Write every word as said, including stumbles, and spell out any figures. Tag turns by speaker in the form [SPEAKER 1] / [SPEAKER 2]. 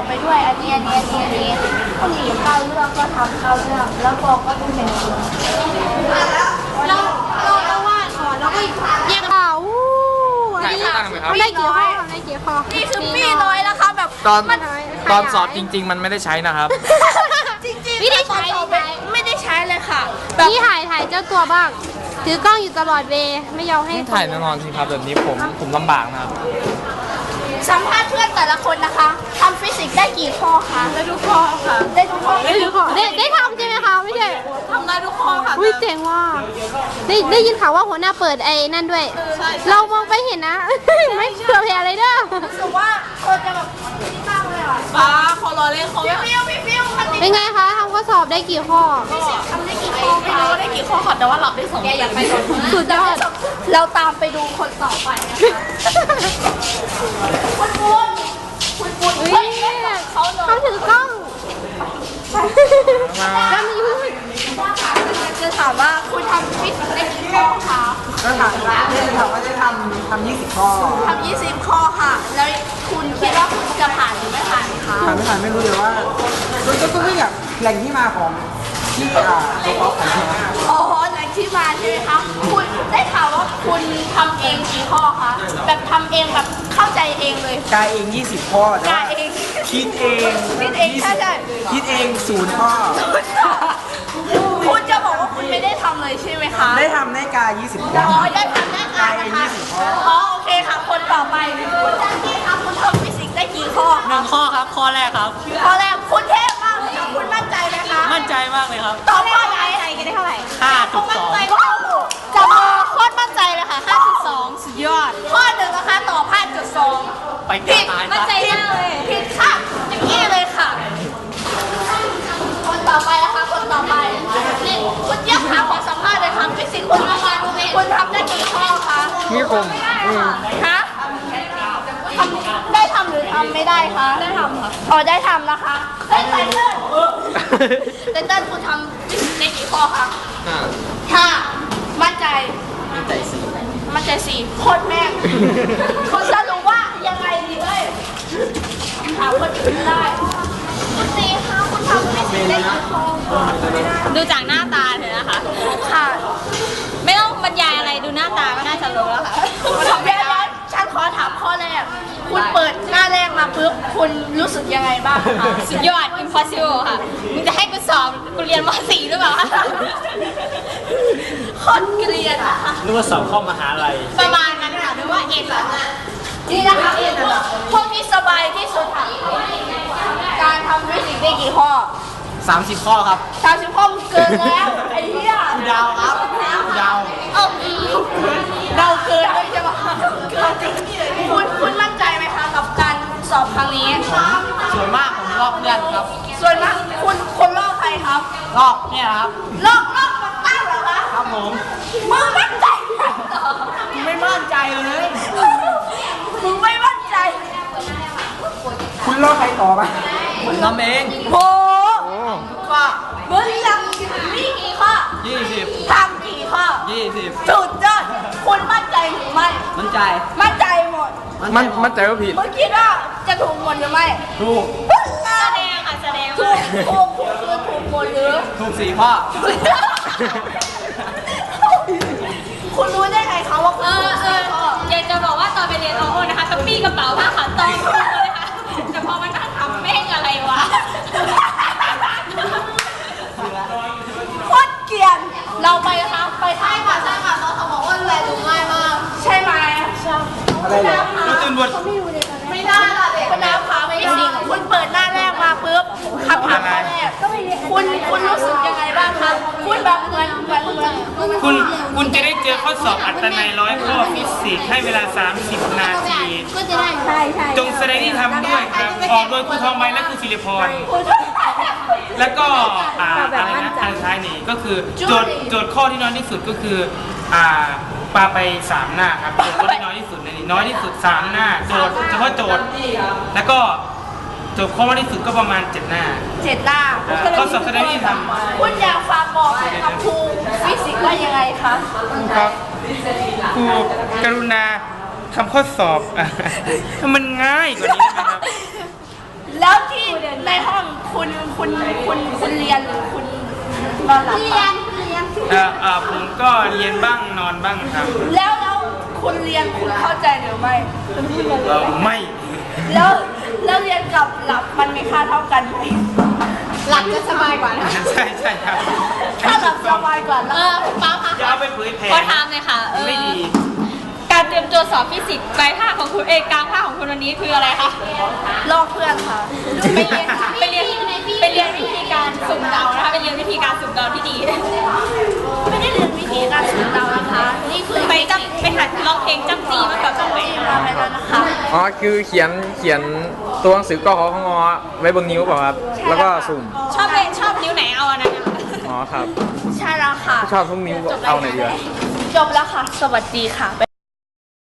[SPEAKER 1] ไปด้วยอันนี้อันนี้อันนี้อันนี้คนหนีเข้าเรื่องก็ทำเข้าเรื่องแล้วกองก็ต้องเป็นคนเราเราเราวาดก่อนแล้วก็แยกข่าวอันนี้ได้กี่ข้อได้กี่ข้อนี่คือปีน้อยแล้วค่ะแบบ
[SPEAKER 2] ตอนตอนสอบจริงๆมันไม่ได้ใช้นะครับ
[SPEAKER 1] จริงๆไม่ได้ใช้ไม่ได้ใช้เลยค่ะ
[SPEAKER 3] นี่ถ่ายถ่ายเจ้าตัวบ้างถือกล้องอยู่ตลอดเวไม่ยอมให้
[SPEAKER 2] ถ่ายแน่นอนสิครับแบบนี้ผมผมลำบากนะครับ
[SPEAKER 1] สัมภาษณ์เพื่อนแต่ละคนนะคะทำฟิสิกส์ได้กี่ข้อคะได้ทุกข้อค่ะได้ทุกข้อ
[SPEAKER 3] ได้ทุกข้อได้ได้ทำใช่ไหมคะไม่ใช่
[SPEAKER 1] ทำได้ทุกข้อค่ะ
[SPEAKER 3] อุ้ยเจ๋งว่ะได้ได้ยินข่าวว่าหัวหน้าเปิดไอ้นั่นด้วยเรามองไปเห็นนะไม่เผื่อแผ่อะไรเด้อ
[SPEAKER 1] รู้สึกว่าคนจะแบบนี่มากเลยอ่ะป้าขอรอเล่นเขาฟิวฟิวฟิว
[SPEAKER 3] เป็นไงคะทำข้อสอบได้กี่ข้อ
[SPEAKER 1] ทำได้กี่ข้อไม่รู้ได้กี่ข้อค่ะแต่ว่าหลับได้สองแกอยากไปก่อน
[SPEAKER 3] สุดยอด
[SPEAKER 1] เราตามไปดูคนต่อไปนะคะคุณคุณคุณคุณเขา
[SPEAKER 3] เขาถือกล้องแล้วมีพูด
[SPEAKER 1] จะถามว่าคุณทำฟิสิกส์ได้กี่ข้อคะ
[SPEAKER 4] ก็ถามว่าเล่นเขาก็จะทำทำยี่สิบข้อ
[SPEAKER 1] ทำยี่สิบข้อค่ะแล้วคุณคิดว่าคุณจะผ่านหรือไม่ผ่านคะ
[SPEAKER 4] ผ่านไม่ผ่านไม่รู้เลยว่าก็ก็ไม่อยากแหล่งที่มาของที่อ่าตัวป๊อปของที่มา
[SPEAKER 1] อ๋อแหล่งที่มาใช่ไหมคะคุณได้ข่าวว่าคุณทำเองกี่ข้อคะแบบทำเองแบบเข้าใจเองเลย
[SPEAKER 4] กายเองยี่สิบข้อก
[SPEAKER 1] ายเอง
[SPEAKER 4] คิดเอง
[SPEAKER 1] คิดเองใช่ใช่
[SPEAKER 4] คิดเองศูนย์ข้อ
[SPEAKER 1] คุณจะบอกว่าคุณไม่ได้ทำเลยใช่ไหมคะ
[SPEAKER 4] ได้ทำได้กายยี่สิบข้อ
[SPEAKER 1] อ๋อได้ทำได้กายนะคะอ๋อโอเคค่ะคนต่อไปคุณจันนี่คะคุณทำฟิสิกส์ได้กี่ข้อ
[SPEAKER 2] หนึ่งข้อครับข้อแรกครับ
[SPEAKER 1] ข้อแรกคุณเทพมากเลยคุณมั่นใจไหมคะ
[SPEAKER 2] มั่นใจมากเลยครับ
[SPEAKER 1] ตอบข้อไหนใจกันได้เท่าไหร่
[SPEAKER 2] ห้าจุดสอง
[SPEAKER 1] จะมาโคตรมั่นใจเลยค่ะห้าจุดสองสุดยอดข้อหนึ่งนะคะตอบห้าจุดสอง
[SPEAKER 2] ไปผิด
[SPEAKER 1] มั่นใจมากเลยผิดค่ะอย่างนี้เลยค่ะคนต่อไปนะคะคนต่อไปนี่คุณยักษ์ขาขอสัมภาษณ์เลยค่ะฟิสิกส์คุณทำคุณทำได้กี่ข้อคะ
[SPEAKER 2] นี่คม
[SPEAKER 1] ฮะได้ทำหรือทำไม่ได้คะได้ทำค่ะอ๋อได้ทำนะคะได้ไตเติ้ลไตเติ้ลคุณทำฟิสิกส์ได้กี่ข้อคะห้ามั่นใจ
[SPEAKER 2] มั่นใจสี่
[SPEAKER 1] มั่นใจสี่โคตรแม่งคุณสรุปว่ายังไงดีเอ้ยถามคนอื่นได้คุณตีคะคุณทำฟิสิกส์ได้กี่ข้อ
[SPEAKER 3] ดูจากหน้าตาเถอะนะคะ
[SPEAKER 1] ค่ะ
[SPEAKER 3] ไม่ต้องบรรยายอะไรดูหน้าตาก็น่าจะรู้แล้วค่ะ
[SPEAKER 1] เดี๋ยวฉันขอถามข้อแรกคุณเปิดหน้าแรกมาปุ๊บคุณรู้สึกยังไงบ้างคะ
[SPEAKER 3] สุดยอด impossible ค่ะมึงจะให้กูสอบกูเรียนม .สี่ หรือเปล่า
[SPEAKER 1] โคตรเกลียดนะคะ
[SPEAKER 2] นึกว่าสอบเข้ามหาลัย
[SPEAKER 3] ประมาณนั้นค่ะหรือว่าเอ็นแบบ
[SPEAKER 1] นี่นะคะพวกที่สบายที่สุดค่ะการทำฟิสิกส์ได้กี่ข้อ
[SPEAKER 2] สามสิบข้อครับ
[SPEAKER 1] สามสิบข้อมันเกินแล้วไอ้เหี้ย
[SPEAKER 2] ดาวครับดาว
[SPEAKER 1] เออเดาเกินเลยจะมาคุณคุณมั่นใจไหมคะกับการสอบครั้งนี้
[SPEAKER 2] ส่วนมากผมลอกเพื่อนครับ
[SPEAKER 1] ส่วนมากคุณคนลอกใครครับ
[SPEAKER 2] ลอกเนี่ยครับ
[SPEAKER 1] ลอกลอกมาตั้งเหรอคะ
[SPEAKER 2] ครับผม
[SPEAKER 1] มึงมั่นใจ
[SPEAKER 2] ไม่มั่นใจเลย
[SPEAKER 1] มึงไม่มั่นใจ
[SPEAKER 4] คุณลอกใครต่อไหม
[SPEAKER 2] ผมทำเอง
[SPEAKER 1] โอ้ข้อมึงทำมีกี่ข้อ
[SPEAKER 2] ยี่สิบ
[SPEAKER 1] ทำกี่ข้อ
[SPEAKER 2] ยี่สิบ
[SPEAKER 1] สุดยอดคุณมั่นใจหรือไม่
[SPEAKER 2] มั่นใจ
[SPEAKER 1] มั่นใจหมด
[SPEAKER 2] มันมั่นใจว่าผิด
[SPEAKER 1] เมื่อกี้ว่าจะถูกหมดหรือไม่
[SPEAKER 2] ถูก
[SPEAKER 1] แสดงค่ะแสดงถูกถูกถูกคือถูกหมดหรือ
[SPEAKER 2] ถูกสี่ข้อ
[SPEAKER 1] คุณรู้ได้ไงเขาว่าคุณถูกสี่ข้อ
[SPEAKER 3] อยากจะบอกว่าตอนไปเรียนโอโอนะคะก็ปีกระเป๋าผ้าขาวตองเลยค่ะแต่พอมันนั่งทำแม่งอะไรวะ
[SPEAKER 1] โคตรเกลียดเราไปนะคะไปใช่ค่ะใช่ค่ะเขาบอกว่าแลดูง่ายมากใช่ไหมใช่
[SPEAKER 4] อะไรเหรอ
[SPEAKER 2] คุณตื่นบท
[SPEAKER 1] ไม่ได้ค่ะเด็กคุณน้ำขาไม่จริงคุณเปิดหน้าแรกมาปุ๊บคำถามข้อแรกคุณคุณรู้สึกยังไงบ้างคะคุณแบบเหมือนเหมือนเหมือน
[SPEAKER 2] คุณคุณจะได้เจอข้อสอบอัตนัยร้อยข้อฟิสิกส์ให้เวลาสามสิบนาที
[SPEAKER 1] ก็จะได้ใช่ใช่
[SPEAKER 2] จงแสดงที่ทำด้วยครับออกโดยครูทองใบและครูศิริพรแล้วก็อ่าอะไรนะทางท้ายนี่ก็คือโจทย์โจทย์ข้อที่น้อยที่สุดก็คืออ่าปาไปสามหน้าครับโจทย์ข้อที่น้อยที่สุดในนี้น้อยที่สุดสามหน้าโจทย์เฉพาะโจทย์แล้วก็โจทย์ข้อมากที่สุดก็ประมาณเจ็ดหน้า
[SPEAKER 1] เจ็ดหน้า
[SPEAKER 2] ข้อสอบแสดงที่ทำ
[SPEAKER 1] คุณอยากฝากบอกกับครูฟิสิกส์ว่ายังไงคะ
[SPEAKER 2] ครับครูกรุณาทำข้อสอบมันง่ายกว่านี้นะครับ
[SPEAKER 1] แล้วที่ในห้องคุณคุณคุณคุณเรียนหรือคุณนอนหลับเรียนเรียน
[SPEAKER 2] เอ่อเอ่อผมก็เรียนบ้างนอนบ้างครับ
[SPEAKER 1] แล้วแล้วคุณเรียนคุณเข้าใจหรือไม่
[SPEAKER 2] เอ่อไม่
[SPEAKER 1] แล้วแล้วเรียนกับหลับมันมีค่าเท่ากันไหม
[SPEAKER 3] หลับจะสบายกว่านะ
[SPEAKER 2] ใช่ใช่ครับ
[SPEAKER 1] ถ้าหลับสบายกว่า
[SPEAKER 3] เอ
[SPEAKER 1] แล้ว
[SPEAKER 3] อป้าคะ
[SPEAKER 2] อย่าเอาไปเผยแพร่
[SPEAKER 3] ขอถามเลยค่ะเออ
[SPEAKER 2] ไม่ดี
[SPEAKER 3] การเตรียมตัวสอบฟิสิกส์ปลายภาคของคุณเอกกลางภาคของคุณวันนี้คืออะไรคะ
[SPEAKER 1] ลอกเพื่อนค่ะ
[SPEAKER 3] ไปเรียนไปเรียนไปเรียนวิธีการสุ่มเดานะคะไปเรียนวิธีการสุ่มเดาที่ดี
[SPEAKER 1] ไม่ได้เรียนวิธีการสื่อเดานะคะ นี่คือ
[SPEAKER 3] ไปจับไปหัดร้องเพลงจับจีมากับจังหวะ
[SPEAKER 1] มาไปแล้วนะคะ
[SPEAKER 5] อ๋อคือเขียนเขียนตัวหนังสือกขอของอไว้บนนิ้วเปล่าครับ แล้วก็สุ่ม
[SPEAKER 3] ชอบเพลงชอบนิ้วไหนเอาอันนั้นนะคะ
[SPEAKER 5] อ๋อครับ
[SPEAKER 1] ใช่แล้วค่ะ
[SPEAKER 5] ชอบทุกนิ้วเอาไหนดีวะ
[SPEAKER 1] จบแล้วค่ะ สวัสดีค่ะ